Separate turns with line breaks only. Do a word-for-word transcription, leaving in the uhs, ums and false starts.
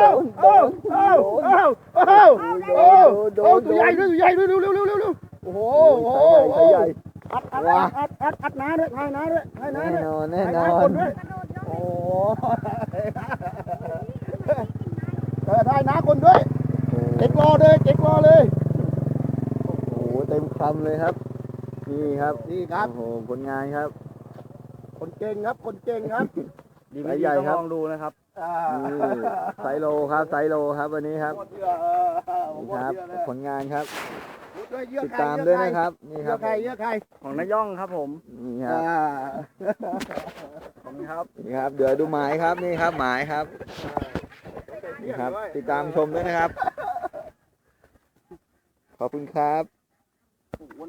โอ้โอ้โอ้โอ้โอ้โอ้ตัวใหญ่ด้วยตัวใหญ่ด้วยเร็วเร็วเร็วเร็วเร็วโอ้โหโอ้โหโอ้โหอัดอัดอัดอัดอัดน้าด้วยให้น้าด้วยให้น้า
แน่
ด้วย
นอนแน่
ให้
น
น้า
อ
คน นด้วยโอ้เออให้น้าคนด้วยเก็กรอเลยเก็กรอเลย
โอ้โหเต็มคำเลยครับนี่ครับ
นี่ครับ
โอ้โหผลงานครับ
คนเก่งครับคนเก่งครับ
ดีไม่ดีต้องลองดู
นะครับ
นี่ไซโลครับไซโลครับวันนี้ครับ
หมดเยื่อเออผม
นี่
หมด
ครับ
เยื่อเลย
ผลงานครับ
เยื่อ
ติด
ไข่
ตามด้วยนะครับนี่ค
เยื่
รั
อบ ไข่เยื่อไข่
ของนาย่องครับผม
นี่ค
อ่า
รับ
ขอบคุณครับ
นี่ครับเดี๋ยวดูหมายครับนี่ครับหมายครับนี่ครับ ติดตามชมด้วยนะครับ ขอบคุณครับ